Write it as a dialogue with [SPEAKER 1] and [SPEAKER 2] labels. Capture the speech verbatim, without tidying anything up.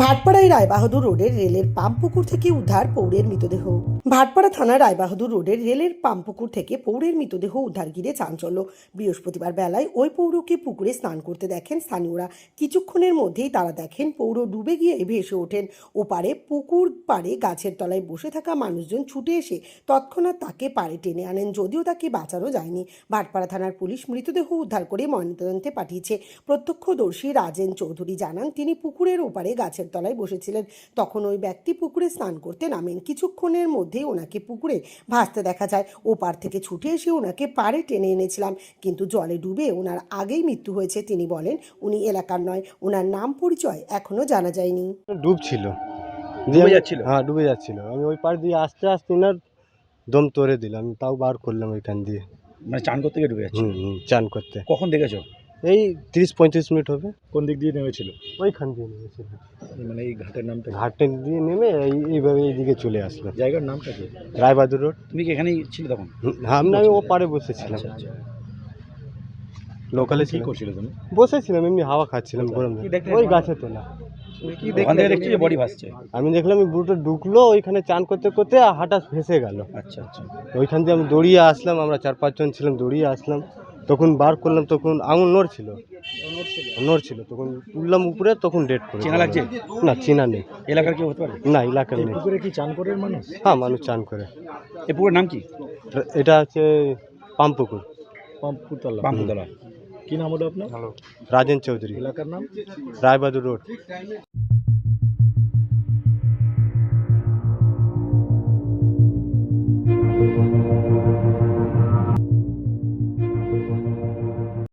[SPEAKER 1] ভাটপাড়ায় রায়বাহাদুর রোডের রেলের পাম্পপুকুর থেকে উদ্ধার পৌরের মৃতদেহ। ভাটপাড়া থানার রায়বাহাদুর রোডের রেলের পাম্পপুকুর থেকে পৌরের মৃতদেহ উদ্ধার ঘিরে চাঞ্চল্য। বৃহস্পতিবার বেলায় ওই পৌরকে পুকুরে স্নান করতে দেখেন স্থানীয়রা। কিছুক্ষণের মধ্যেই তারা দেখেন পৌর ডুবে গিয়ে ভেসে ওঠেন। ওপারে পুকুর পাড়ে গাছের তলায় বসে থাকা মানুষজন ছুটে এসে তৎক্ষণাৎ তাকে পাড়ে টেনে আনেন, যদিও তাকে বাঁচানো যায়নি। ভাটপাড়া থানার পুলিশ মৃতদেহ উদ্ধার করে ময়নাতদন্তে পাঠিয়েছে। প্রত্যক্ষদর্শী রাজেন চৌধুরী জানান, তিনি পুকুরের ওপারে গাছের তলায় বসেছিলেন। তখন ওই ব্যক্তি পুকুরে স্নান করতে নামেন। কিছুক্ষণের মধ্যেই ওনাকে পুকুরে ভাসতে দেখা যায়। ওপার থেকে ছুটে এসে ওনাকে পাড়ে টেনে এনেছিলাম, কিন্তু জলে ডুবে ওনার আগেই মৃত্যু হয়েছে। তিনি বলেন, উনি এলাকার নয়, ওনার নাম পরিচয় এখনো জানা যায়নি।
[SPEAKER 2] ডুবছিল,
[SPEAKER 3] ডুবে যাচ্ছিল?
[SPEAKER 2] হ্যাঁ ডুবে যাচ্ছিল। আমি ওই পার দিয়ে আস্তে আস্তে ওনার দম তোড়ে দিলাম, আমি তাও বার করলাম ওইখান দিয়ে।
[SPEAKER 3] মানে চান করতে গিয়ে ডুবে যাচ্ছে?
[SPEAKER 2] হুম হুম চান করতে।
[SPEAKER 3] কখন দেখেছো?
[SPEAKER 2] এই তিরিশ পঁয়ত্রিশ মিনিট হবে।
[SPEAKER 3] কোন দিক দিয়ে নেমেছিল?
[SPEAKER 2] ওইখান দিয়ে নেমেছিল,
[SPEAKER 3] মানে এই ঘাটের নামটা কি?
[SPEAKER 2] ঘাটে দিয়ে নেমে এই এইভাবে এইদিকে চলে আসলো।
[SPEAKER 3] জায়গার নামটা কি?
[SPEAKER 2] রায়বাহাদুর রোড।
[SPEAKER 3] তুমি কি এখানেই ছিলে তখন?
[SPEAKER 2] আমি আমি ও পারে বসেছিলাম,
[SPEAKER 3] আচ্ছা আচ্ছা।
[SPEAKER 2] লোকালে
[SPEAKER 3] কি
[SPEAKER 2] ছিলাম,
[SPEAKER 3] করছিলে তুমি?
[SPEAKER 2] বসেছিলাম এমনি হাওয়া খাচ্ছিলাম গরম।
[SPEAKER 3] কি দেখলে?
[SPEAKER 2] ওই গাছে তোলা।
[SPEAKER 3] কি ওখান থেকে দেখছি যে বডি ভাসছে।
[SPEAKER 2] আমি দেখলাম এই বুড়োটা ঢুকলো ওইখানে চান করতে করতে হাঁটা ভেসে গেল।
[SPEAKER 3] আচ্ছা আচ্ছা।
[SPEAKER 2] ওইখান দিয়ে আমি দৌড়িয়ে আসলাম, আমরা চার পাঁচজন ছিলাম, দৌড়িয়ে আসলাম। তখন বার করলাম, তখন আঙুল নড়ছিল নড়ছিল তখন তুললাম উপরে, তখন ডেট করে।
[SPEAKER 3] চেনা লাগছে?
[SPEAKER 2] না চেনা নেই।
[SPEAKER 3] এলাকার কেউ হতে পারে?
[SPEAKER 2] না এলাকার নেই।
[SPEAKER 3] পুকুরে কি চান করে মানুষ?
[SPEAKER 2] হ্যাঁ মানুষ চান করে।
[SPEAKER 3] এই পুকুরের নাম কি?
[SPEAKER 2] এটা হচ্ছে পাম্পপুকুর।
[SPEAKER 3] পাম্পুতলা। পাম্পুতলা। কি নাম হলো আপনার?
[SPEAKER 2] রাজেন চৌধুরী।
[SPEAKER 3] এলাকার নাম?
[SPEAKER 2] রায়বাহাদুর রোড।